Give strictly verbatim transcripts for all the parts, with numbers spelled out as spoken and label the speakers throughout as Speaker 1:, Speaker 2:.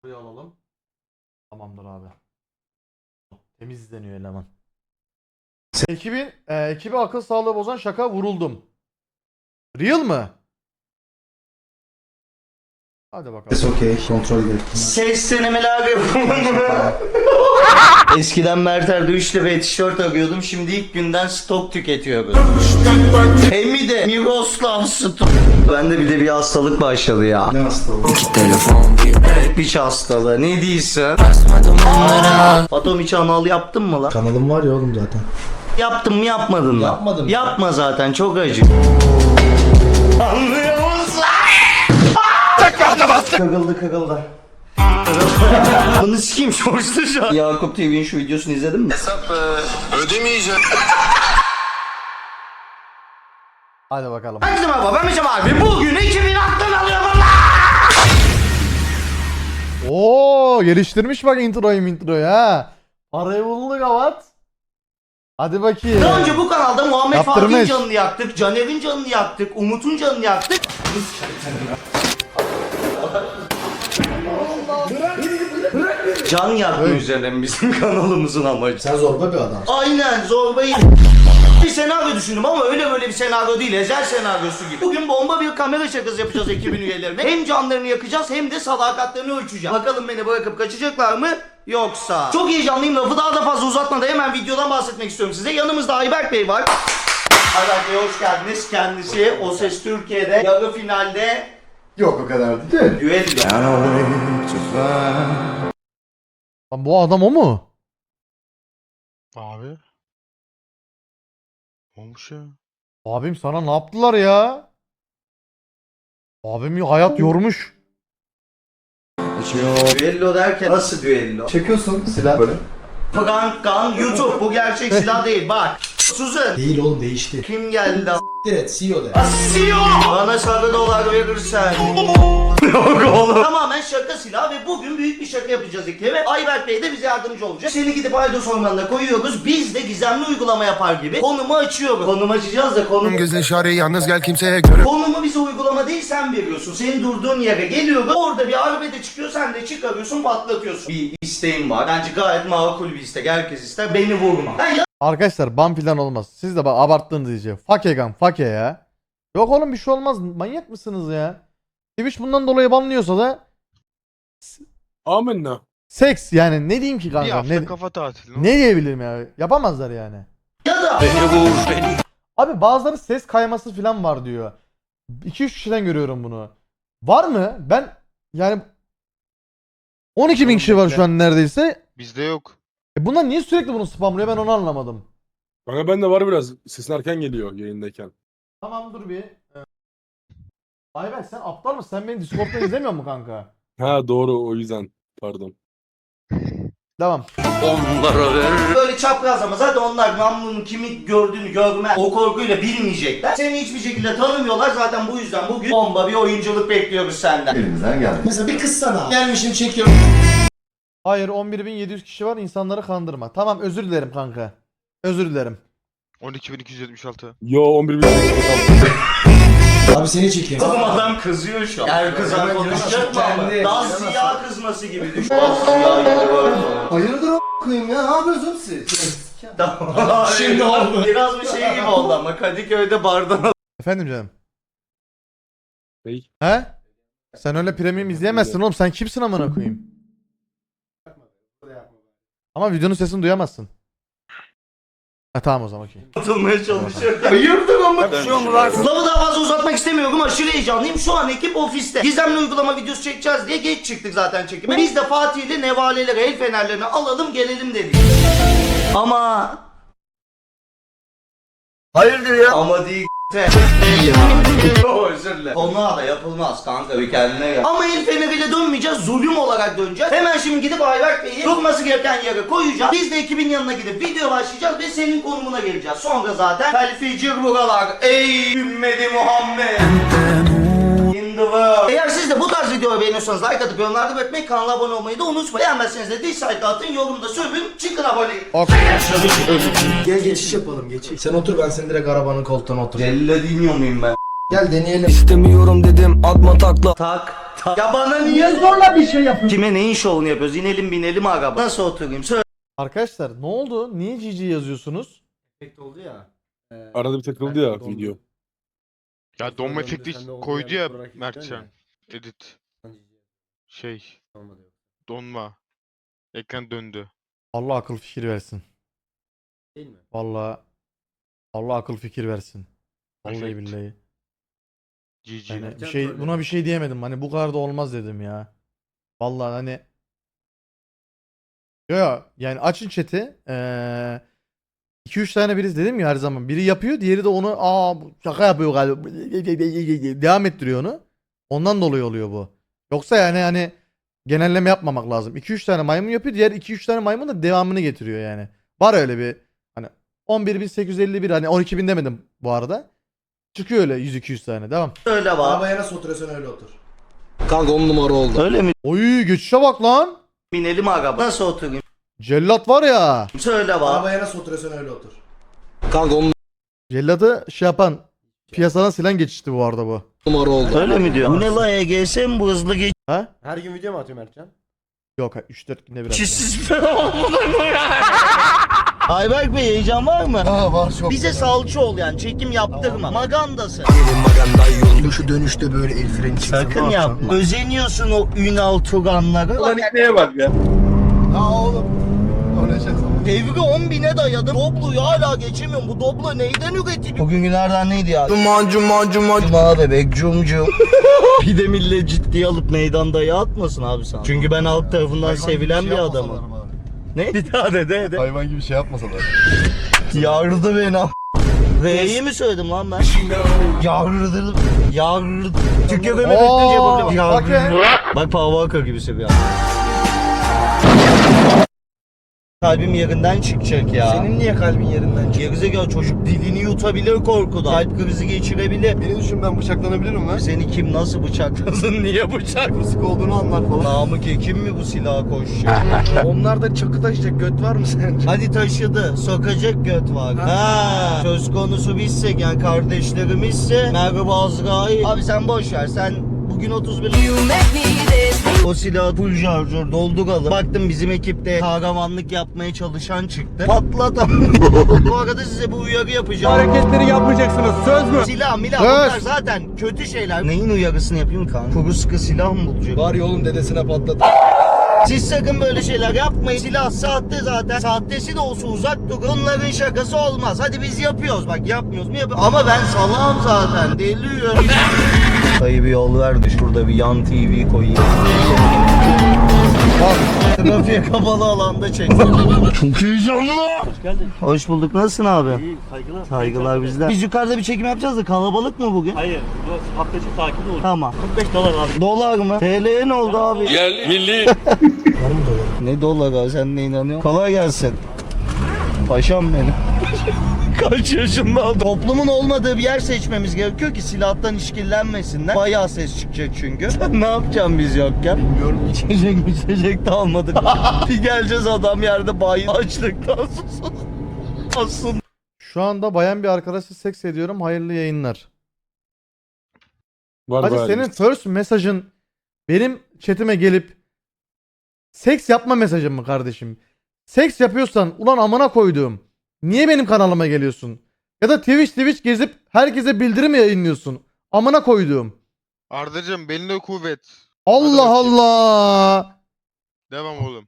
Speaker 1: Buraya alalım. Tamamdır abi. Temiz izleniyor eleman. Ekibin, e, ekibi akıl sağlığı bozan şaka vuruldum. Real mı? Hadi bakalım.
Speaker 2: Ses okey, kontrol edelim.
Speaker 3: Ses denemeler yapıyorum. Eskiden Merter'de üç liraya tişört arıyordum. Şimdi ilk günden stok tüketiyoruz. Hem de Miroslav stok. Bende bir de bir hastalık başladı ya.
Speaker 2: Ne hastalığı?
Speaker 3: Piç hastalığı. Ne diyorsun? Atom içi anal yaptın mı lan?
Speaker 2: Kanalım var ya oğlum zaten.
Speaker 3: Yaptın mı yapmadın mı?
Speaker 2: Yapmadım.
Speaker 3: Yapma zaten çok acı. Anlıyor musun? Kagıldı kagıldı. Bunu sikeyim şorçlu şu an. Yakup T V'nin şu videosunu izledin mi?
Speaker 4: Hesap e, ödemeyeceğim.
Speaker 1: Hadi bakalım.
Speaker 3: Herkese merhaba ben Mecem abi. Bugün iki bin aklın alıyorum lan.
Speaker 1: Oo, geliştirmiş bak introyu introyu ha. Parayı bulduk avat. Hadi bakayım.
Speaker 3: Daha önce bu kanalda Muhammed
Speaker 1: Yaptırmış.
Speaker 3: Fatih'in canını yaktık, Caner'in canını yaktık, Umut'un canını yaktık. Can yakma üzerine bizim kanalımızın amacı.
Speaker 2: Sen zorba bir adam.
Speaker 3: Aynen zorbayı. Bir senaryo düşündüm ama öyle böyle bir senaryo değil, ezel senaryosu gibi. Bugün bomba bir kamera şakası yapacağız ekibin üyelerine. Hem canlarını yakacağız hem de sadakatlerini ölçeceğiz. Bakalım beni bırakıp kaçacaklar mı? Yoksa. Çok heyecanlıyım, lafı daha da fazla uzatmadan hemen videodan bahsetmek istiyorum size. Yanımızda Ayberk Bey var. Ayberk Bey hoş geldiniz. Kendisi O Ses Türkiye'de yarı finalde
Speaker 2: Yok o kadar değil.
Speaker 3: düello.
Speaker 1: Lan bu adam o mu?
Speaker 4: Abi. Olmuş ya.
Speaker 1: Abim sana ne yaptılar ya? Abim hayat yormuş.
Speaker 3: Düello derken nasıl düello?
Speaker 2: Çekiyorsun silah böyle.
Speaker 3: Prank gun YouTube bu gerçek silah değil bak. Susun.
Speaker 2: Değil oğlum değişti.
Speaker 3: Kim geldi?
Speaker 2: Evet C E O de.
Speaker 3: Asiyo! Bana sarı dolar verirsen. Yok oğlum. Tamamen şaka silah ve bugün büyük bir şaka yapacağız ekibe. Ayberk Bey de bize yardımcı olacak. Seni gidip Aydos Ormanı'na koyuyoruz. Biz de gizemli uygulama yapar gibi konumu açıyoruz. Konum açacağız da konum...
Speaker 4: Gözün işareti yalnız gel kimseye göre.
Speaker 3: Konumu bize uygulama değil sen veriyorsun. Senin durduğun yere geliyoruz. Orada bir arbede çıkıyor sen de çıkarıyorsun patlatıyorsun. Bir isteğim var. Bence gayet makul bir istek. Herkes ister. Beni vurma. Ben
Speaker 1: Arkadaşlar ban filan olmaz. Siz de bak abarttınız iyice. Fake gan fake ya. Yok oğlum bir şey olmaz. Manyak mısınız ya? Twitch bundan dolayı banlıyorsa da
Speaker 5: Amenna.
Speaker 1: seks yani ne diyeyim ki
Speaker 4: Bir
Speaker 1: kanka?
Speaker 4: hafta
Speaker 1: Ne,
Speaker 4: kafa tatili.
Speaker 1: ne diyebilirim ya? Yapamazlar yani.
Speaker 3: ya da
Speaker 1: Abi bazıları ses kayması falan var diyor. iki üç kişiden görüyorum bunu. Var mı? Ben yani on iki bin kişi var şu an neredeyse.
Speaker 4: Bizde yok.
Speaker 1: E bunlar niye sürekli bunu spamlıyor ben onu anlamadım.
Speaker 5: Kanka bende var biraz. Sesin erken geliyor yayındayken.
Speaker 1: Tamam dur bir. Ee, Ayberk sen aptal mısın? Sen beni Discord'dan izlemiyor musun kanka?
Speaker 5: Ha doğru o yüzden. Pardon.
Speaker 1: Devam.
Speaker 3: böyle çaprazlama zaten onlar namlunun kimi gördüğünü görmez. O korkuyla bilmeyecekler. Seni hiçbir şekilde tanımıyorlar zaten bu yüzden bugün bomba bir oyunculuk bekliyoruz senden.
Speaker 2: Elimizden geldi. Mesela bir kız sana. Gelmişim çekiyorum.
Speaker 1: Hayır on bir bin yedi yüz kişi var insanları kandırma. Tamam özür dilerim kanka. Özür dilerim.
Speaker 4: on iki bin iki yüz yetmiş altı.
Speaker 5: Yo on bir bin.
Speaker 2: Abi seni çekiyorum.
Speaker 3: Oğlum adam kızıyor şu an. Her kızan
Speaker 2: Hemen
Speaker 3: konuşacak mı ama?
Speaker 2: kendi-
Speaker 3: Daha siyah kızması gibi düşün. Daha siyah gibi var.
Speaker 2: Hayırdır o koyayım ya? Ne yapıyorsun siz?
Speaker 3: Tamam.
Speaker 2: Şimdi oldu.
Speaker 3: Biraz bir şey gibi oldu ama Kadıköy'de bardan
Speaker 1: Efendim canım.
Speaker 5: Bey.
Speaker 1: He? Sen öyle premium izleyemezsin oğlum. Sen kimsin amına koyayım? Ama videonun sesini duyamazsın. Ha tamam o zaman okey.
Speaker 3: atılmaya çalışıyor. Hayırdır ama. Lafı daha fazla uzatmak istemiyorum. Aşırı heyecanlıyım. Şu an ekip ofiste. Gizemli uygulama videosu çekeceğiz diye geç çıktık zaten çekime. Biz de Fatih ile nevaleleri, el fenerlerini alalım gelelim dedik. Ama... Hayırdır ya? Ama değil özür dilerim. Konuğa da yapılmaz kanka bir kendine gel. Ama el feneriyle dönmeyeceğiz, zulüm olarak döneceğiz. Hemen şimdi gidip Ayberk Bey'i durması gereken yere koyacağız. Biz de ekibin yanına gidip video başlayacağız ve senin konumuna geleceğiz. Sonra zaten felficir buralar. Ey ümmeti Muhammed. In the world. Eğer siz de bu tarz videoyu beğeniyorsanız like atıp yorumlarda belirtmeyi, kanala abone olmayı da unutmayın. Beğenmezseniz de dislike atın, yorumda sövün, çıkın abone.
Speaker 1: Ok.
Speaker 2: Gel geçiş yapalım geçiş. Sen otur ben seni direkt arabanın koltuğuna otur.
Speaker 3: Celle dinliyor muyum ben?
Speaker 2: Gel deneyelim.
Speaker 6: İstemiyorum dedim atma takla.
Speaker 3: Tak. Ya bana niye zorla bir şey yapıyorsun? Kime neyin şovunu yapıyoruz? İnelim binelim araba. Nasıl oturayım? Söyle.
Speaker 1: Arkadaşlar ne oldu? Niye G G yazıyorsunuz?
Speaker 2: Efekt oldu ya. Ee,
Speaker 5: Arada bir takıldı ya video.
Speaker 4: Ya donma
Speaker 2: Sonra
Speaker 4: efekti
Speaker 2: sende oldu
Speaker 4: koydu
Speaker 2: yani,
Speaker 4: ya
Speaker 2: sonra gittin
Speaker 4: Mertcan.
Speaker 2: ya.
Speaker 4: Edit. Şey
Speaker 2: Olmadı yok.
Speaker 4: donma. Ekran döndü.
Speaker 1: Allah akıl fikir versin.
Speaker 2: Değil mi?
Speaker 1: Vallahi Allah akıl fikir versin. Vallahi
Speaker 4: Efekt.
Speaker 1: billahi.
Speaker 4: G G.
Speaker 1: Yani bir
Speaker 2: Erken
Speaker 1: şey
Speaker 2: troll
Speaker 1: buna bir şey diyemedim. Hani bu kadar da olmaz dedim ya. Vallahi hani yo yo yani açın chat'i. Ee, iki üç tane biriz dedim ya her zaman. Biri yapıyor, diğeri de onu aa bu şaka yapıyor galiba. Devam ettiriyor onu. Ondan dolayı oluyor bu. Yoksa yani hani genelleme yapmamak lazım. iki üç tane maymun yapıyor, diğer iki üç tane maymun da devamını getiriyor yani. Var öyle bir hani on bir bin sekiz yüz elli bir hani on iki bin demedim bu arada. Çıkıyor öyle yüz iki yüz tane. Devam.
Speaker 3: Söyle bak.
Speaker 2: Arabaya nasıl oturuyorsun öyle otur. Kanka on numara oldu.
Speaker 3: Öyle mi?
Speaker 1: Oy geçişe bak lan.
Speaker 3: Binelim araba. Nasıl oturayım?
Speaker 1: Cellat var ya.
Speaker 3: Söyle bak.
Speaker 2: Arabaya nasıl oturuyorsun öyle otur. Kanka on
Speaker 1: Cellat'ı şey yapan piyasadan silen geçişti bu arada bu.
Speaker 2: numara oldu.
Speaker 3: Öyle mi diyor? Bu ne la E G S mi bu hızlı
Speaker 1: Ha?
Speaker 2: Her gün video mu atıyor Mertcan? geçiş?
Speaker 1: Yok üç dört günde biraz.
Speaker 3: geçişsiz mi olmalı mı ya? Ayberk Bey heyecan var mı?
Speaker 2: Aa var çok.
Speaker 3: Bize salça ol yani çekim yaptırma. Magandasın.
Speaker 2: Şu dönüşte böyle el freni çıksın.
Speaker 3: Sakın yapma. Özeniyorsun o Ünal Tuganlara.
Speaker 5: Ulan neye bak ya.
Speaker 2: Ha oğlum. O ne şey
Speaker 3: Devri on bine dayadı. Doblo'yu hala geçemiyorum. Bu Doblo neyden üretiliyor? Bugün günlerden neydi ya?
Speaker 2: Cuma cuma cuma.
Speaker 3: Cuma bebek cum cum. Bir de millet ciddiye alıp meydan dayı atmasın abi sana. Çünkü ben halk tarafından sevilen bir adamım. Ne? Bir daha de de de.
Speaker 2: Hayvan gibi şey yapmasalar.
Speaker 3: Yardı beni am- R'yi mi söyledim lan ben? Yardı. Yardı. Türkiye böyle
Speaker 1: Oo,
Speaker 3: bekleyince yapabilirim.
Speaker 1: bak ya.
Speaker 3: Yardı. Bak Paul Walker gibisi bir adam. Kalbim yerinden çıkacak ya.
Speaker 2: Senin niye kalbin yerinden çıkıyor?
Speaker 3: Gerizekalı çocuk dilini yutabilir korkudan. Kalp krizi geçirebilir.
Speaker 2: Beni düşün ben bıçaklanabilirim lan.
Speaker 3: Seni kim nasıl bıçaklasın, niye bıçak?
Speaker 2: Sık olduğunu anlar falan.
Speaker 3: Namık Ekim mi bu silaha koşuyor?
Speaker 2: Onlarda çakı taşıyacak göt var mı sence?
Speaker 3: Hadi taşıdı, sokacak göt var. Ha. Söz konusu bizsek yani kardeşlerimizse merhaba Azrail. Abi sen boş ver, sen bugün otuz bir... O silahı full şarjör dolduralım. Baktım bizim ekipte kahramanlık yapmaya çalışan çıktı. Patlatam. Bu arada size bu uyarı yapacağım.
Speaker 5: Hareketleri yapmayacaksınız söz mü?
Speaker 3: Silah milah
Speaker 1: Söz.
Speaker 3: bunlar zaten kötü şeyler. Neyin uyarısını yapayım kanka? Kuru sıkı silah mı bulacak?
Speaker 2: Var ya oğlum dedesine patlat.
Speaker 3: Siz sakın böyle şeyler yapmayın. Silah sahte zaten. Sahtesi de olsa uzak durun. Bunların şakası olmaz. Hadi biz yapıyoruz. Bak yapmıyoruz mu yapıyoruz. Ama ben salağım zaten. Deliyorum. Dayı bir yol verdi. Şurada bir yan T V koyayım. Bak. Trafiğe kapalı alanda çek. Çok heyecanlı. Hoş geldin. Hoş bulduk. Nasılsın abi?
Speaker 6: İyi, saygılar.
Speaker 3: Saygılar bizden. Biz yukarıda bir çekim yapacağız da kalabalık mı bugün?
Speaker 6: Hayır, bu hafta içi takip olur.
Speaker 3: Tamam.
Speaker 6: kırk beş dolar abi.
Speaker 3: Dolar mı? T L'ye ne oldu abi?
Speaker 5: Yerli milli.
Speaker 3: Ne dolar abi, sen ne inanıyorsun? Kolay gelsin. Paşam benim. Kaç yaşında adam? Toplumun olmadığı bir yer seçmemiz gerekiyor ki silahtan işkillenmesinler. Bayağı ses çıkacak çünkü. Sen ne yapacaksın biz yokken? Bilmiyorum. İçecek içecek de almadık. Bir geleceğiz adam yerde bayi açlıktan susuz. Aslında.
Speaker 1: Şu anda bayan bir arkadaşla seks ediyorum. Hayırlı yayınlar.
Speaker 5: Var
Speaker 1: Hadi
Speaker 5: bayağı
Speaker 1: senin
Speaker 5: list.
Speaker 1: first mesajın benim chatime gelip seks yapma mesajın mı kardeşim? Seks yapıyorsan ulan amına koyduğum. Niye benim kanalıma geliyorsun? Ya da Twitch Twitch gezip herkese bildirim yayınlıyorsun. Amına koyduğum.
Speaker 4: Ardacığım beline kuvvet.
Speaker 1: Allah
Speaker 4: bakayım.
Speaker 1: Allah.
Speaker 4: Devam oğlum.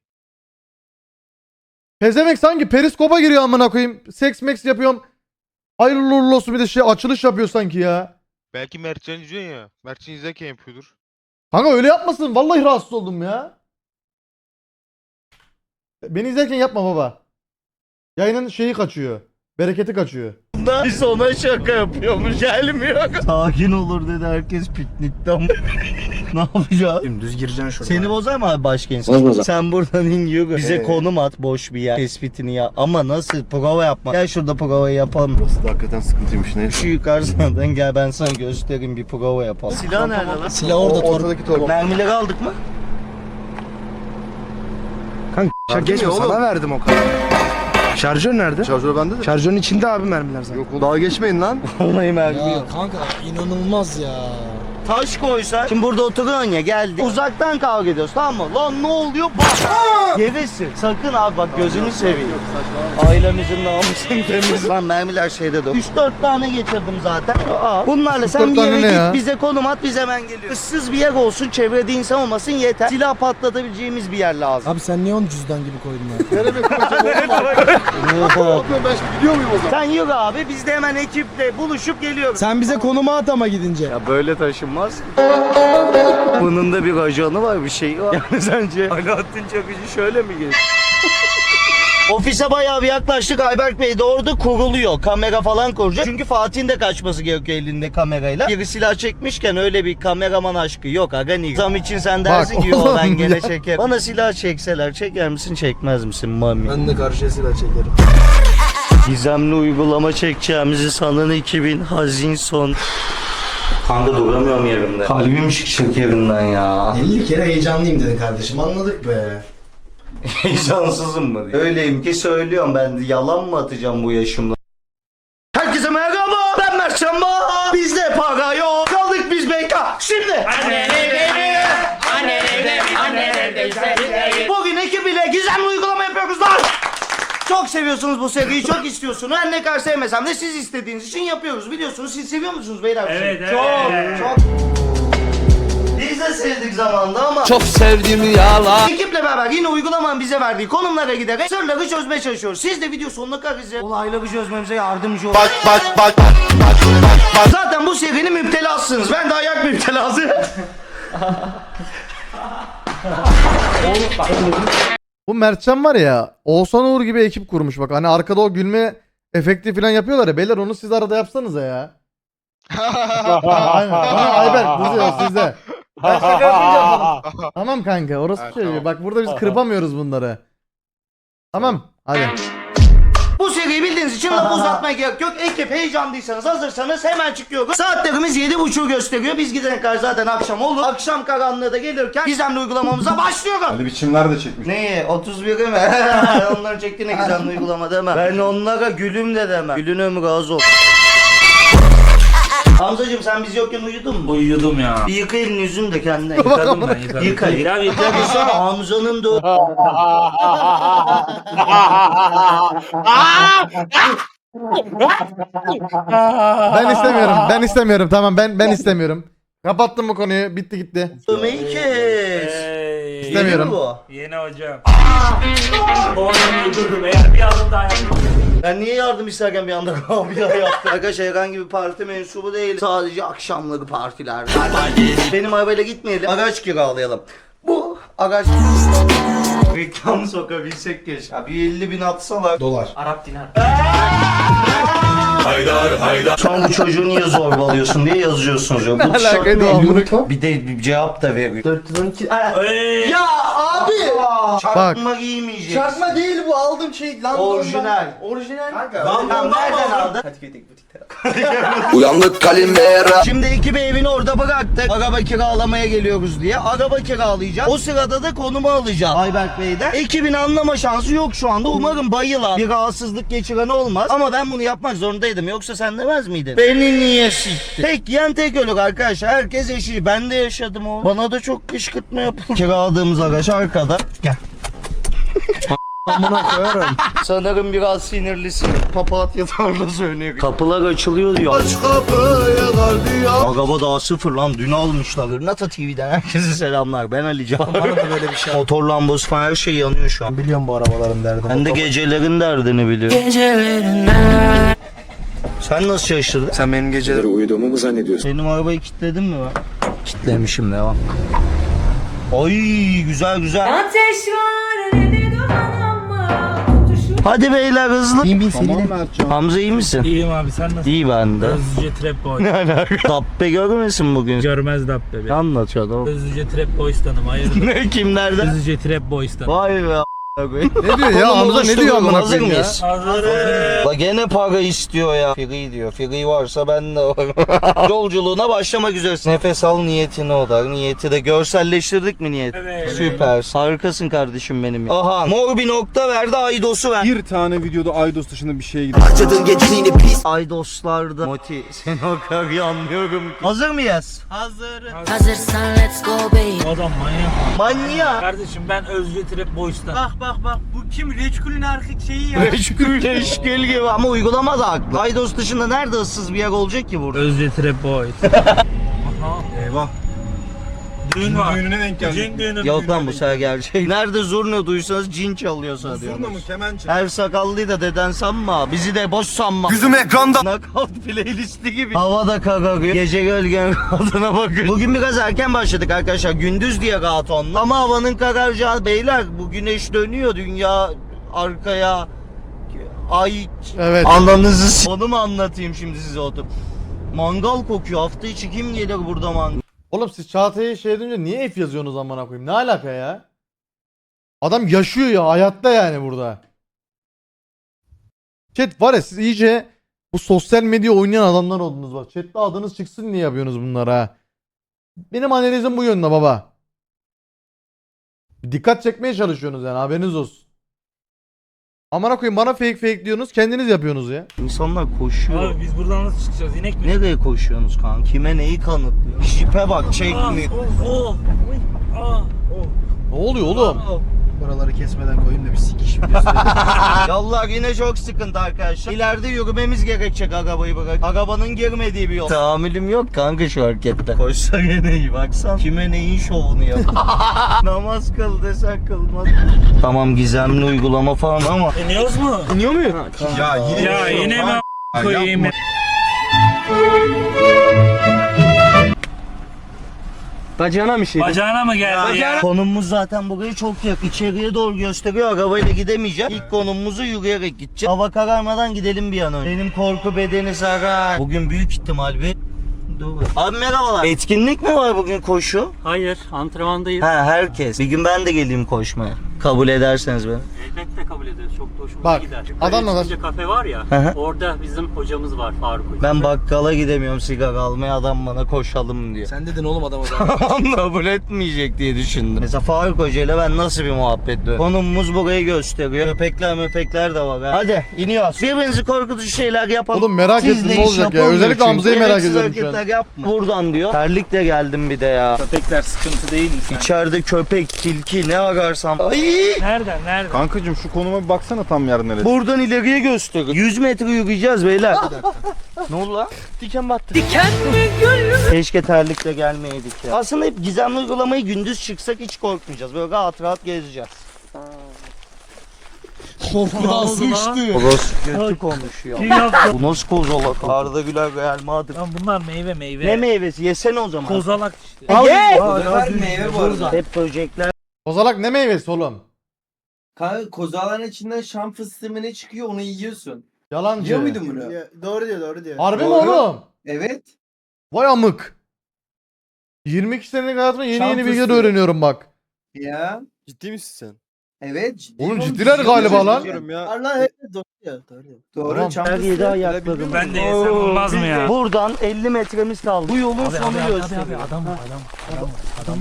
Speaker 1: Pezemek sanki periskopa giriyor amına koyayım. Seks meks yapıyorum. Hayırlı uğurlu olsun bir de şey açılış yapıyor sanki ya.
Speaker 4: Belki Mertcan izliyorsun ya. Mertcan izlerken yapıyordur.
Speaker 1: Kanka öyle yapmasın. Vallahi rahatsız oldum ya. Beni izlerken yapma baba. Yayının şeyi kaçıyor. Bereketi kaçıyor.
Speaker 3: Biz ona şaka yapıyormuş, gelmiyor. Sakin olur dedi herkes piknikten. Ne yapacağız?
Speaker 2: Dümdüz gireceksin şuraya.
Speaker 3: Seni bozar mı abi başka insan? Sen buradan in yürü. Bize
Speaker 2: Ee?
Speaker 3: konum at boş bir yer. Tespitini yap. Ama nasıl? Prova yapma. Gel şurada provayı yapalım.
Speaker 2: Burası da hakikaten sıkıntıymış ne?
Speaker 3: Şu yukarıdan gel ben sana göstereyim bir prova yapalım. Silah nerede lan?
Speaker 2: Silah orada ortadaki torba.
Speaker 3: Mermileri aldık mı?
Speaker 2: Kanka geçme sana verdim o kadar. Şarjör nerede? Şarjör bende de. Şarjörün içinde abi mermiler zaten. Yok oğlum. Daha geçmeyin lan.
Speaker 3: Vallahi mermi
Speaker 7: Ya
Speaker 3: yok.
Speaker 7: kanka inanılmaz ya.
Speaker 3: taş koysa. Şimdi burada oturuyorsun ya, geldi. Uzaktan kavga ediyoruz, tamam mı? Lan ne oluyor? Bak. Gevesin. Sakın abi bak, gözünü seveyim. Ailemizin namusunu temiz. Lan mermiler şeyde de. üç dört tane getirdim zaten. Aa, bunlarla sen bir
Speaker 1: tane
Speaker 3: yere
Speaker 1: ne
Speaker 3: git,
Speaker 1: ya?
Speaker 3: bize konum at, biz hemen geliyoruz. Issız bir yer olsun, çevrede insan olmasın yeter. Silah patlatabileceğimiz bir yer lazım.
Speaker 2: Abi sen niye onu cüzdan gibi koydun ya?
Speaker 3: Sen yürü abi, biz de hemen ekiple buluşup geliyoruz.
Speaker 2: Sen bize konumu at ama gidince.
Speaker 3: Ya böyle taşınmaz. Bunun da bir ajanı var, bir şey var. Yani sence Alaaddin Çakıcı şöyle mi gelir? Ofise bayağı bir yaklaştık. Ayberk Bey de orada kuruluyor. Kamera falan kuracak. Çünkü Fatih'in de kaçması gerekiyor elinde kamerayla. Biri silah çekmişken öyle bir kameraman aşkı yok. Aga niye? Zam için sen dersin
Speaker 1: Bak
Speaker 3: ki yo ben
Speaker 1: oğlum
Speaker 3: gene
Speaker 1: ya.
Speaker 3: çekerim. Bana silah çekseler çeker misin çekmez misin mami?
Speaker 2: Ben de karşıya silah çekerim.
Speaker 3: Gizemli uygulama çekeceğimizi sanan iki bin hazin son. Kanka duramıyorum yerimde. Kalbim çıkacak yerinden ya.
Speaker 2: elli kere heyecanlıyım dedin kardeşim, anladık be.
Speaker 3: Heyecansızım mı diye. Öyleyim ki söylüyorum, ben de yalan mı atacağım bu yaşımda? Herkese merhaba, ben Mert Çamba. Bizde para yok, kaldık biz beka. Şimdi annen evde, annen evde, annen evde. Bugün ekibiyle gizemli uygulama yapıyoruz lan. Çok seviyorsunuz bu seriyi, çok istiyorsunuz. Her ne kadar sevmesem de siz istediğiniz için yapıyoruz. Biliyorsunuz, siz seviyor musunuz beyler? bu
Speaker 6: Evet,
Speaker 3: seriyi?
Speaker 6: evet,
Speaker 3: Çok,
Speaker 6: evet.
Speaker 3: çok. Biz de sevdik zamanında ama
Speaker 7: Çok sevdiğimi yalan.
Speaker 3: ekiple beraber yine uygulamanın bize verdiği konumlara giderek sırları çözmeye çalışıyoruz. Siz de video sonuna kadar izleyin. Olayları çözmemize yardımcı olun. Bak bak bak bak. Zaten bu serinin müptelasısınız. Ben de ayak müptelası.
Speaker 1: Bu Mertcan var ya, Oğuzhan Uğur gibi ekip kurmuş bak. Hani arkada o gülme efekti falan yapıyorlar ya. Beyler onu siz arada yapsanıza ya. Aynen. Bana Ayberk kızıyor sizde. Ben şaka yapmayacağım. Tamam kanka, orası
Speaker 4: Evet,
Speaker 1: şey.
Speaker 4: tamam.
Speaker 1: Bak burada biz kırpamıyoruz bunları. Tamam hadi.
Speaker 3: Bu seriyi bildiğiniz için lafı uzatmaya gerek yok. Ekip heyecanlıysanız, hazırsanız hemen çıkıyoruz. Saatlerimiz yedi buçuğu gösteriyor. Biz gidene kadar zaten akşam olur. Akşam karanlığı da gelirken gizemli uygulamamıza başlıyoruz.
Speaker 8: Ali biçimler de çekmiş.
Speaker 3: Neyi? otuz biri mi? Onların çektiğine gizemli uygulama demem. Ben onlara gülüm de demem. Gülün ömrü az ol. Hamzacığım sen biz yokken uyudun mu?
Speaker 6: Uyudum ya.
Speaker 3: Bir yıka elini yüzünü de kendine.
Speaker 6: Yıkadım ben yıkadım.
Speaker 3: Yıka.
Speaker 6: Ya
Speaker 3: Yıka bir sonra Hamza'nın da...
Speaker 1: Ben istemiyorum. Ben istemiyorum. Tamam ben ben istemiyorum. Kapattım bu konuyu. Bitti gitti.
Speaker 3: Dövmeyi kes.
Speaker 6: Hey.
Speaker 1: İstemiyorum.
Speaker 3: Yeni mi bu?
Speaker 6: Yeni hocam. Onu öldürdüm eğer bir adım daha yapmam.
Speaker 3: Ben niye yardım isterken bir anda abi ya yaptım? Arkadaşlar herhangi bir parti mensubu değil. Sadece akşamları partiler. Benim arabayla gitmeyelim. Araç kiralayalım. Bu araç... Reklam sokabilsek keşke. Ya bir elli bin atsalar.
Speaker 2: Dolar.
Speaker 6: Arap dinar.
Speaker 3: Şu an bu çocuğu niye zorbalıyorsun diye yazıyorsunuz ya. Bu tişört
Speaker 1: alakaydı
Speaker 3: ne?
Speaker 1: o amına-
Speaker 3: Bir de bir cevap da veriyor. dört yüz on iki...
Speaker 6: Hey.
Speaker 3: Ya abi! Çakma giymeyeceksin.
Speaker 2: Çakma değil bu, aldığım şey lan.
Speaker 3: Orijinal.
Speaker 2: Orijinal.
Speaker 3: Tamam nereden aldın?
Speaker 2: Kadıköy'deki butikte.
Speaker 7: Uyandık Kalimera.
Speaker 3: Şimdi ekibi evini orada bıraktık. Araba kiralamaya geliyoruz diye. Araba kiralayacağız. O sırada da konumu alacağız Ayberk Bey'den. Ekibin anlama şansı yok şu anda. Umarım bayılan bir rahatsızlık geçiren olmaz. Ama ben bunu yapmak zorundaydım. Yoksa sen demez miydin? Beni niye sikti? Tek yiyen tek ölür arkadaşlar. Herkes eşi. Ben de yaşadım o. Bana da çok kışkırtma yapıldı. Kiraladığımız araç arkada. Gel.
Speaker 2: Amına koyarım.
Speaker 3: Sanırım biraz sinirlisin. Papatyalarla söylüyor. Kapılar açılıyor diyor. Aç kapılar diyor. Araba daha sıfır lan, dün almışlar. Nata T V'den herkese selamlar. Ben Ali Can.
Speaker 2: Var mı böyle bir şey?
Speaker 3: Motor lambası falan her şey yanıyor şu an.
Speaker 2: Biliyorum bu arabaların derdini.
Speaker 3: Ben de gecelerin derdini biliyorum. Sen nasıl şaşırdın?
Speaker 2: Sen benim geceleri uyuduğumu mu zannediyorsun?
Speaker 3: Benim arabayı kilitledin mi ben? Kilitlemişim, devam. Ay güzel güzel.
Speaker 9: Ateş var elinde duman ama tutuşur.
Speaker 3: Hadi beyler hızlı.
Speaker 2: Bin bin sevine mi atacağım?
Speaker 3: Hamza iyi misin?
Speaker 6: İyiyim abi sen nasılsın?
Speaker 3: İyi ben de.
Speaker 6: Özlüce Trap Boy.
Speaker 3: Dabbe görmesin bugün.
Speaker 6: Görmez Dabbe be.
Speaker 3: Anlatıyor oğlum.
Speaker 6: Özlüce Trap Boys'tanım hayırdır?
Speaker 3: Ne kimlerden?
Speaker 6: Özlüce Trap Boys'tanım.
Speaker 3: Vay be.
Speaker 1: Ne diyor ya Hamza, ne diyor amına
Speaker 3: Hazır
Speaker 1: koyayım ya?
Speaker 3: mıyız?
Speaker 6: Hazırız.
Speaker 3: La gene para istiyor ya. Free diyor. Free varsa ben de varım. Yolculuğuna başlamak üzeresin. Nefes al, niyetine odak. Niyeti de görselleştirdik mi niyeti?
Speaker 6: Evet.
Speaker 3: Süper. Harikasın kardeşim benim. Aha. Mor bir nokta verdi. Aydos'u ver.
Speaker 2: Bir tane videoda Aydos dışında bir şeye gidiyor.
Speaker 7: Harcadığın geceliğini pis.
Speaker 3: Aydos'larda. Moti seni o kadar iyi anlıyorum ki. Hazır mıyız?
Speaker 9: Hazırsan let's go baby.
Speaker 6: Adam manyak.
Speaker 3: Manyak.
Speaker 6: Kardeşim ben Özgür Trap Boys'ta. Bak bak bak bu kim? Reçkul'ün erkek şeyi ya.
Speaker 3: Eşkil gibi. Ama uygulama da haklı. Aydos dışında nerede ıssız bir yer olacak ki burada?
Speaker 6: Özgür Trap Boys.
Speaker 2: Eyvah.
Speaker 6: Düğün var.
Speaker 2: Düğününe denk geldik.
Speaker 6: Cin düğünü.
Speaker 3: Yok lan bu sefer gerçek. Nerede zurna duysanız cin çalıyor sana
Speaker 2: Zurna mı
Speaker 3: diyorlar.
Speaker 2: kemençe?
Speaker 3: Her sakallıyı da deden sanma. Bizi de boş sanma.
Speaker 7: Yüzüm ekranda.
Speaker 3: Knockout playlisti gibi. Hava da kararıyor. Gece gölgen kadına bakın. Bugün biraz erken başladık arkadaşlar. Gündüz diye rahat onunla. Ama havanın kararacağı beyler. Bu güneş dönüyor. Dünya arkaya. Ay.
Speaker 1: Evet.
Speaker 3: Ananızı s- Onu mu anlatayım şimdi size oturup? Mangal kokuyor. Hafta içi kim gelir burada mangal?
Speaker 1: Oğlum siz Çağatay'a şey edince niye F yazıyorsunuz amına koyayım? Ne alaka ya? Adam yaşıyor ya, hayatta yani burada. Chat var ya, siz iyice bu sosyal medya oynayan adamlar oldunuz bak. Chat'te adınız çıksın diye yapıyorsunuz bunları ha. Benim analizim bu yönde baba. Dikkat çekmeye çalışıyorsunuz yani, haberiniz olsun. Amına koyayım, bana fake fake diyorsunuz, kendiniz yapıyorsunuz ya.
Speaker 3: İnsanlar koşuyor.
Speaker 6: Abi biz buradan nasıl çıkacağız? İnek mi?
Speaker 3: Nereye koşuyorsunuz kanka? Kime neyi kanıtlıyor? Jipe bak, çekmiyor.
Speaker 6: Ah, oh, uy, ah, oh,
Speaker 1: Ne oluyor oğlum?
Speaker 6: oh.
Speaker 2: Buraları kesmeden koyayım da bir sikiş videosu.
Speaker 3: Yollar yine çok sıkıntı arkadaşlar. İleride yürümemiz gerekecek arabayı bırak. Arabanın girmediği bir yol. Tahammülüm yok kanka şu harekette. Koşsa gene iyi baksan. Kime neyin şovunu yap. Namaz kıl desen kılmaz. Tamam, gizemli uygulama falan ama.
Speaker 6: İniyoruz mu?
Speaker 3: İniyor muyum?
Speaker 2: ya yine
Speaker 6: Ya yine mi a- koyayım?
Speaker 3: Bacağına bir şey.
Speaker 6: Bacağına mı geldi ya?
Speaker 3: Konumumuz zaten buraya çok yakın. İçeriye doğru gösteriyor. Arabayla gidemeyeceğim. İlk konumumuzu yürüyerek gideceğiz. Hava kararmadan gidelim bir an önce. Benim korku bedeni sarar. Bugün büyük ihtimal bir... Dur. Abi merhabalar. Etkinlik mi var bugün, koşu?
Speaker 6: Hayır, antrenmandayız.
Speaker 3: Ha, herkes. Bir gün ben de geleyim koşmaya. Kabul ederseniz beni.
Speaker 6: Elbette kabul ederiz. Çok da hoşumuza
Speaker 1: Bak,
Speaker 6: gider.
Speaker 1: adamla da-
Speaker 6: Çıkınca kafe var ya,
Speaker 3: Hı hı.
Speaker 6: orada bizim hocamız var Faruk Hoca.
Speaker 3: Ben bakkala gidemiyorum sigara almaya, adam bana koşalım diyor.
Speaker 2: Sen dedin oğlum adama da.
Speaker 3: Kabul etmeyecek diye düşündüm. Mesela Faruk Hoca ile ben nasıl bir muhabbet ediyorum? Konumumuz burayı gösteriyor. Köpekler möpekler de var. Ha. Hadi iniyoruz. Birbirinizi korkutucu şeyler yapalım.
Speaker 1: Oğlum merak
Speaker 3: Siz
Speaker 1: ettim
Speaker 3: de
Speaker 1: ne
Speaker 3: iş
Speaker 1: olacak ya.
Speaker 3: yapılmıyor
Speaker 1: Özellikle
Speaker 3: çünkü.
Speaker 1: Hamza'yı merak
Speaker 3: Gereksiz
Speaker 1: ediyorum şu an.
Speaker 3: hareketler yapma. Buradan diyor. Terlikle geldim bir de ya.
Speaker 6: Köpekler sıkıntı değil mi sen?
Speaker 3: İçeride köpek, tilki ne ararsam. Ay!
Speaker 6: Nereden, nereden?
Speaker 2: Kankacım şu konuma bir baksana tam yer neresi.
Speaker 3: Buradan ileriye gösteriyor. yüz metre yürüyeceğiz beyler. Ne oldu lan?
Speaker 2: Diken battı.
Speaker 3: Keşke terlikle gelmeydik ya. Aslında hep gizemli uygulamayı gündüz çıksak hiç korkmayacağız. Böyle rahat rahat gezeceğiz.
Speaker 2: Korkudan sıçtı.
Speaker 3: Koz kötü konuşuyor.
Speaker 6: Kim yaptı?
Speaker 3: Bu nasıl kozalak? Arda Güler Real Madrid.
Speaker 6: Lan bunlar meyve meyve.
Speaker 3: Ne meyvesi? Yesene o zaman.
Speaker 6: Kozalak işte.
Speaker 3: Ye!
Speaker 2: meyve bu arada.
Speaker 3: Hep böcekler.
Speaker 1: Kozalak ne meyvesi oğlum?
Speaker 8: Kanka kozağların içinden şam fıstığı mı ne çıkıyor onu yiyorsun.
Speaker 1: Yalancı.
Speaker 8: Yiyor muydun bunu?
Speaker 2: Doğru diyor doğru diyor.
Speaker 1: Harbi mi
Speaker 8: Doğru.
Speaker 1: oğlum?
Speaker 8: Evet.
Speaker 1: Vay amık. yirmi iki senelik hayatımda yeni
Speaker 8: Şans
Speaker 1: yeni bilgiler
Speaker 8: fıstığı.
Speaker 1: öğreniyorum bak.
Speaker 8: Ya.
Speaker 2: Ciddi misin sen?
Speaker 8: Evet. ciddi
Speaker 1: Oğlum
Speaker 8: oğlum,
Speaker 1: ciddiler
Speaker 8: ciddi
Speaker 1: galiba
Speaker 8: oğlum.
Speaker 1: lan.
Speaker 2: Diyorum ya.
Speaker 8: Allah evet doğru diyor. Doğru. Doğru.
Speaker 1: Tamam.
Speaker 8: Şam
Speaker 3: Her yedi
Speaker 8: fıstığı.
Speaker 3: ayaklarım.
Speaker 6: Ben de yesem olmaz mı ya?
Speaker 3: Buradan elli metremiz kaldı. Bu yolun sonu gösteriyor.
Speaker 6: adam adam adam adam.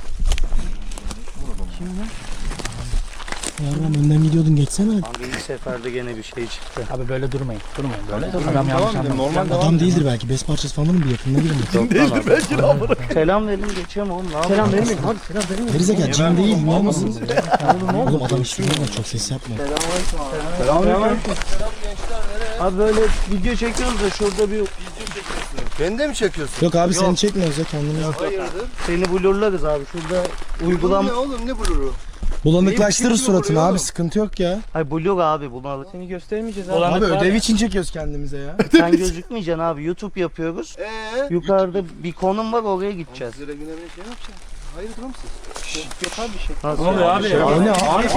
Speaker 10: Yarram önden gidiyordun geçsene hadi.
Speaker 3: Abi ilk seferde gene bir şey çıktı.
Speaker 6: Abi böyle durmayın. Durmayın böyle.
Speaker 2: Tamam, tamam dedim, normal devam.
Speaker 10: Adam değildir belki. Best parçası falan bir yakınına girin.
Speaker 3: Değildir belki de amına. Selam verin geçiyorum oğlum. Ne Selam verin. Hadi selam verin.
Speaker 10: Gerizekalı cin değil ne olmasın? Oğlum adam işliyor lan çok ses yapma.
Speaker 3: Selamünaleyküm. Abi böyle video çekiyoruz da şurada bir
Speaker 2: Beni de mi çekiyorsun?
Speaker 10: Yok abi seni çekmiyoruz ya kendimiz.
Speaker 3: seni blurlarız abi şurada uygulam.
Speaker 2: Ne oğlum ne bluru?
Speaker 10: Bulanıklaştırır suratını abi sıkıntı yok ya.
Speaker 3: Hayır blur abi bunu alır. Seni göstermeyeceğiz abi.
Speaker 10: Abi ödev için çekiyoruz kendimize ya.
Speaker 3: Sen gözükmeyeceksin abi. YouTube yapıyoruz.
Speaker 2: Eee?
Speaker 3: Yukarıda bir konum var oraya gideceğiz.
Speaker 2: Zira güne bir şey yapacaksın. Hayır durum siz.
Speaker 3: Yok abi bir şey.
Speaker 6: Ne oluyor abi?
Speaker 10: O ne abi?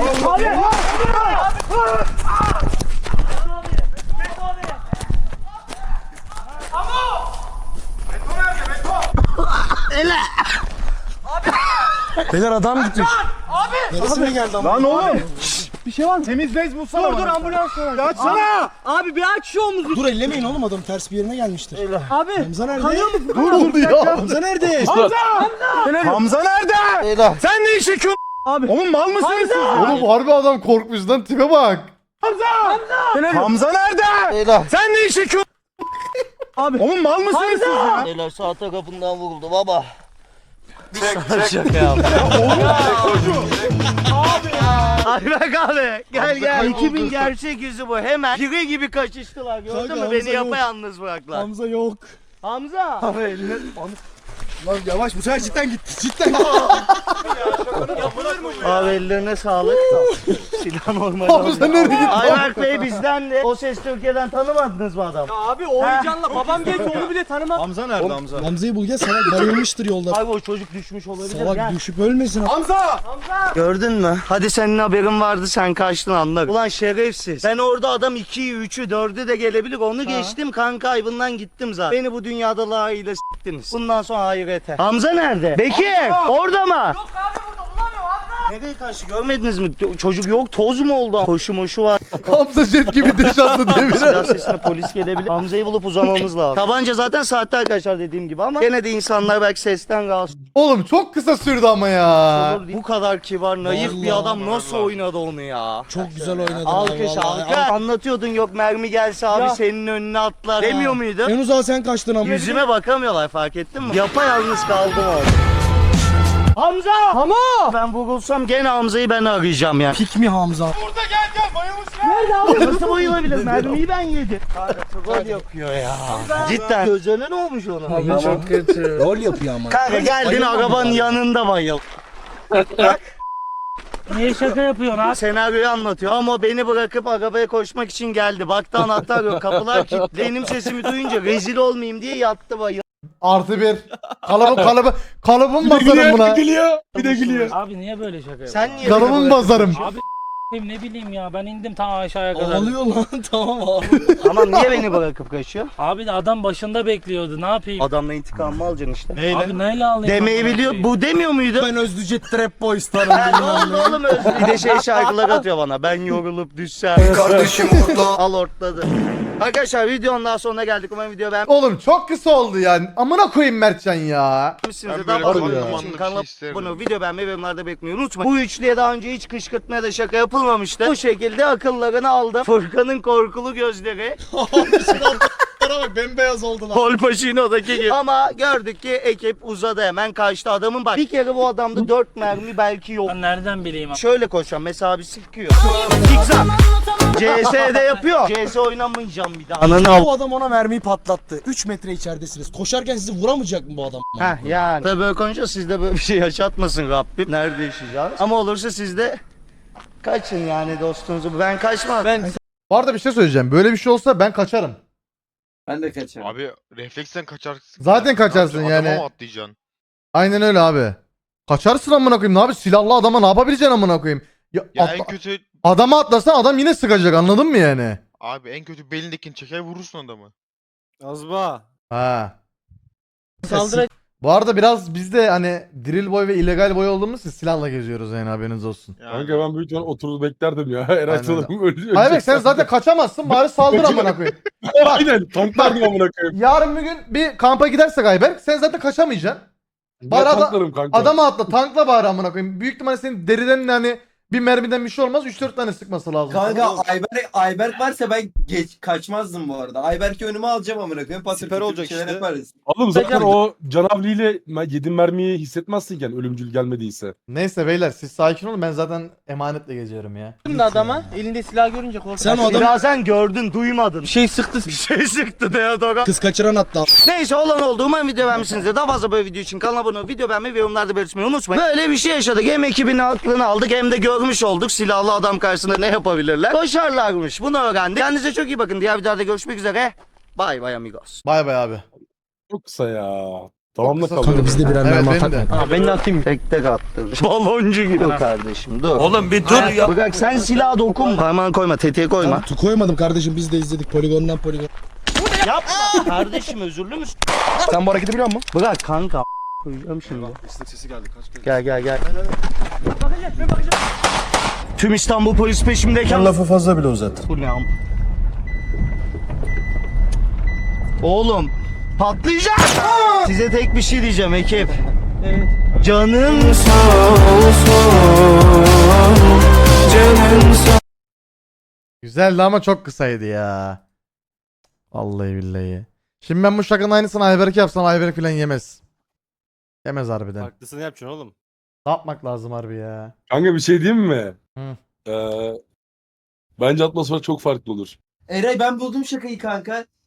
Speaker 10: Beyler adam gitmiş. Abi. Neresine geldi ama?
Speaker 2: Lan oğlum. bir şey var mı? Temiz bez bulsana. Dur dur ambulans var. Ya açsana.
Speaker 8: Abi bir aç şu omuzu.
Speaker 10: Dur ellemeyin oğlum adam ters bir yerine gelmiştir.
Speaker 8: Abi.
Speaker 10: Hamza nerede?
Speaker 8: Kanıyor musun?
Speaker 1: Ne oldu ya?
Speaker 10: Hamza nerede?
Speaker 2: Hamza! Hamza nerede? Sen ne iş çekiyorsun?
Speaker 8: Abi.
Speaker 2: Oğlum mal mısınız siz?
Speaker 1: Oğlum harbi adam korkmuş lan, tipe bak.
Speaker 2: Hamza! Hamza nerede? Sen ne iş çekiyorsun?
Speaker 8: Abi.
Speaker 2: Oğlum mal mısınız siz ya?
Speaker 3: Beyler sağ tarafından vuruldu baba. Şaka yaptım. Ayberk abi gel gel. ekibin gerçek yüzü bu. Hemen pire gibi kaçıştılar. Gördün
Speaker 10: Kanka,
Speaker 3: mü?
Speaker 10: Hamza
Speaker 3: Beni
Speaker 10: yok.
Speaker 3: yapayalnız bıraktılar.
Speaker 10: Hamza yok.
Speaker 3: Hamza.
Speaker 10: Abi eline... Lan yavaş bu sefer cidden gitti. Cidden gitti.
Speaker 3: Abi ellerine sağlık. Silah normal.
Speaker 1: Hamza nereye gitti?
Speaker 3: Ayberk Bey bizden de. O Ses Türkiye'den tanımadınız mı adam?
Speaker 8: Abi o heyecanla babam genç onu bile tanımam.
Speaker 2: Hamza nerede Hamza?
Speaker 10: Hamza'yı bul gel salak bayılmıştır yolda.
Speaker 3: Abi o çocuk düşmüş olabilir.
Speaker 10: Salak
Speaker 3: Gel.
Speaker 10: düşüp ölmesin.
Speaker 2: Hamza!
Speaker 3: Gördün mü? Hadi senin haberin vardı, sen kaçtın, anlarım. Ulan şerefsiz. Ben orada adam ikiyi, üçü, dördü de gelebilir. Onu geçtim, kan kaybından gittim zaten. Beni bu dünyada layığıyla s**tiniz. Bundan sonra ahirete. Hamza nerede? Bekir! Orada mı?
Speaker 8: Yok abi burada bulamıyorum Hamza.
Speaker 3: Nereye kaçtı, görmediniz mi? Çocuk yok, toz mu oldu? Koşu moşu var.
Speaker 1: Hamza jet gibi diş attı
Speaker 3: Silah
Speaker 1: devire.
Speaker 3: sesine polis gelebilir. Hamza'yı bulup uzamamız lazım. Tabanca zaten saatte arkadaşlar dediğim gibi ama gene de insanlar belki sesten rahatsız
Speaker 1: Oğlum çok kısa sürdü ama ya.
Speaker 3: olur. Bu kadar kibar, naif bir
Speaker 10: Vallahi
Speaker 3: adam nasıl oynadı onu ya?
Speaker 10: Çok güzel oynadın.
Speaker 3: Alkış
Speaker 10: ha, vallahi.
Speaker 3: alkış. Anlatıyordun yok mermi gelse abi
Speaker 8: Ya.
Speaker 3: senin önüne atlar demiyor muydu?
Speaker 10: En uzağa sen kaçtın ama.
Speaker 3: Yüzüme bakamıyorlar, fark ettin mi? Yapayalnız kaldım orada. Hamza!
Speaker 8: Ama.
Speaker 3: Ben vurulsam gene Hamza'yı ben arayacağım ya.
Speaker 10: Pik mi Hamza?
Speaker 2: Burada gel gel bayılmış.
Speaker 3: Nerede abi? Nasıl bayılabilir? Mermiyi ben yedim. Kanka troll yapıyor ya. Cidden. Gözlerine ne olmuş ona?
Speaker 10: Abi çok kötü. Rol yapıyor ama.
Speaker 3: Kanka geldin arabanın yanında bayıl.
Speaker 6: Niye şaka yapıyorsun abi?
Speaker 3: Senaryoyu anlatıyor ama beni bırakıp arabaya koşmak için geldi. Baktı anahtar yok, kapılar kilitli. Benim sesimi duyunca rezil olmayayım diye yattı bayıl.
Speaker 1: Artı bir. Kalıbı kalıbı. Kalıbım basarım buna.
Speaker 2: gülüyor. Bir de gülüyor.
Speaker 6: Abi niye böyle şaka yapıyorsun?
Speaker 3: Sen niye
Speaker 1: Kalıbım
Speaker 3: beni
Speaker 1: basarım.
Speaker 6: Abi ne bileyim ya ben indim tam aşağıya kadar.
Speaker 10: Ağlıyor lan tamam abi.
Speaker 3: Tamam, niye beni bırakıp kaçıyor?
Speaker 6: Abi de adam başında bekliyordu ne yapayım?
Speaker 3: Adamla intikamımı alacaksın işte.
Speaker 6: Abi neyle alayım?
Speaker 3: Demeyi
Speaker 6: amına
Speaker 3: biliyor.
Speaker 6: koyayım?
Speaker 3: Bu demiyor muydu?
Speaker 10: Ben Özlücet Trap Boys
Speaker 3: Ha, ne
Speaker 10: tarafındayım.
Speaker 3: oldu oğlum Özgür? Bir de şey şarkılar atıyor bana. Ben yorulup düşsem.
Speaker 7: Kardeşim orta.
Speaker 3: Al ortladı. Arkadaşlar videonun daha sonuna geldik. Umarım video
Speaker 1: Oğlum çok kısa oldu yani. Amına koyayım Mertcan ya.
Speaker 3: beğenmişsinizdir.
Speaker 4: Ben
Speaker 3: Daha
Speaker 4: böyle
Speaker 3: fazla
Speaker 1: harbi
Speaker 3: video
Speaker 1: ya.
Speaker 3: için
Speaker 4: bir
Speaker 3: kanala
Speaker 4: şey isterim.
Speaker 3: bunu video beğenmeyi ve yorumlarda beklemeyi unutmayın. Bu üçlüye daha önce hiç kışkırtmaya da şaka yapılmamıştı. Bu şekilde akıllarını aldım. Furkan'ın korkulu gözleri.
Speaker 10: Bak bembeyaz oldu lan.
Speaker 3: Pol Pacino'daki gibi. Ama gördük ki ekip uzadı, hemen kaçtı. Adamın bak bir kere bu adamda dört mermi belki yok.
Speaker 6: Ben nereden bileyim abi?
Speaker 3: Şöyle koşan mesela bir sıkıyor. Zigzag. C S'de yapıyor. C S oynamayacağım bir daha. Ananı al.
Speaker 10: Bu adam ona mermiyi patlattı. üç metre içeridesiniz. Koşarken sizi vuramayacak mı bu adam?
Speaker 3: Heh yani. Tabii böyle konuşuyor, sizde böyle bir şey yaşatmasın Rabbim. Nerede yaşayacağız? Ama olursa siz de kaçın yani dostunuzu. Ben kaçmam.
Speaker 8: Ben
Speaker 1: Bu arada bir şey söyleyeceğim. Böyle bir şey olsa ben kaçarım.
Speaker 8: ben de kaçarım.
Speaker 4: Abi refleksten kaçarsın.
Speaker 1: Zaten
Speaker 4: Ne
Speaker 1: kaçarsın
Speaker 4: yapacaksın? Adama
Speaker 1: yani.
Speaker 4: mı atlayacaksın?
Speaker 1: Aynen öyle abi. Kaçarsın amına koyayım. Ne abi silahlı adama ne yapabileceksin amına koyayım? Ya,
Speaker 4: Ya
Speaker 1: atla-
Speaker 4: en kötü
Speaker 1: adama atlasan adam yine sıkacak, anladın mı yani?
Speaker 4: abi en kötü belindekini çeker vurursun adamı.
Speaker 2: Azba.
Speaker 1: Ha.
Speaker 8: Saldıra
Speaker 1: Bu arada biraz biz de hani drill boy ve illegal boy olduğumuz için silahla geziyoruz yani, haberiniz olsun.
Speaker 4: Yani.
Speaker 5: Kanka ben büyük ihtimal oturup beklerdim ya. Eray
Speaker 1: Aynen.
Speaker 5: sanırım ölecek.
Speaker 1: Hayır bek, sen zaten kaçamazsın, bari saldır amına koyayım. Bak
Speaker 5: Aynen tanklardım amına koyayım.
Speaker 1: yarın bir gün bir kampa gidersek Ayberk, sen zaten kaçamayacaksın. Bari
Speaker 5: Ben
Speaker 1: ada-
Speaker 5: tanklarım kanka.
Speaker 1: Adama atla, tankla bari amına koyayım. Büyük ihtimalle senin deriden hani bir mermiden bir şey olmaz, üç dört tane sıkması lazım.
Speaker 8: Kanka Ayberk, Ayberk varsa ben geç kaçmazdım bu arada. Ayberk'i önüme alacağım amına koyayım. Patır
Speaker 2: Siper
Speaker 8: kütür
Speaker 2: olacak
Speaker 8: bir şeyler
Speaker 2: işte.
Speaker 8: yaparız.
Speaker 5: Oğlum zaten o canavliyle yediğin mermiyi hissetmezsinken ölümcül gelmediyse.
Speaker 1: Neyse beyler, siz sakin olun, ben zaten emanetle geziyorum ya.
Speaker 8: Şimdi adama elinde silah görünce korktu.
Speaker 10: Sen o adam
Speaker 3: Ya sen gördün, duymadın.
Speaker 8: bir şey sıktı.
Speaker 3: Bir şey sıktı Deodora.
Speaker 10: kız kaçıran hatta.
Speaker 3: Neyse olan oldu. Umarım video beğenmişsinizdir. Daha fazla böyle video için kanala abone olup video beğenmeyi ve yorumlarda belirtmeyi unutmayın. Böyle bir şey yaşadık. Hem ekibinin aklını aldık hem de görmüş olduk. Silahlı adam karşısında ne yapabilirler. Koşarlarmış. Bunu öğrendik. Kendinize çok iyi bakın. Diğer videolarda görüşmek üzere. Bye bye amigos.
Speaker 1: Bay bay abi.
Speaker 5: Çok kısa ya. Tamam da
Speaker 1: kısa.
Speaker 5: kalıyor.
Speaker 10: Kanka biz de birer
Speaker 1: Evet,
Speaker 10: mermi
Speaker 1: benim
Speaker 10: atak
Speaker 1: de.
Speaker 10: mı?
Speaker 3: Ha, ben de atayım. Tek tek attırdı. Baloncu gibi. Dur kardeşim dur. Oğlum bir dur ya. Bırak sen silaha dokunma. Parmağını koyma, tetiğe koyma.
Speaker 10: Tu koymadım kardeşim, biz de izledik poligondan poligon.
Speaker 3: Yapma. Kardeşim özürlü müsün?
Speaker 10: Sen bu hareketi biliyor musun?
Speaker 3: Bırak kanka. Koyacağım şimdi.
Speaker 2: İstek sesi geldi kaç kere.
Speaker 3: Gel gel gel. Tüm İstanbul polis peşimdeyken...
Speaker 2: lafı fazla bile uzattın.
Speaker 3: Bu ne am? Oğlum patlayacak. Size tek bir şey diyeceğim ekip. Evet. Canın sağ olsun. Canın sağ.
Speaker 1: Güzeldi ama çok kısaydı ya. Vallahi billahi. Şimdi ben bu şakanın aynısını Ayberk yapsam Ayberk falan yemez. Yemez harbiden.
Speaker 6: Haklısını yapacaksın oğlum.
Speaker 1: Ne yapmak lazım harbi ya?
Speaker 5: Kanka bir şey diyeyim mi?
Speaker 1: Hı.
Speaker 5: Ee, bence atmosfer çok farklı olur.
Speaker 8: Eray ben buldum şakayı kanka.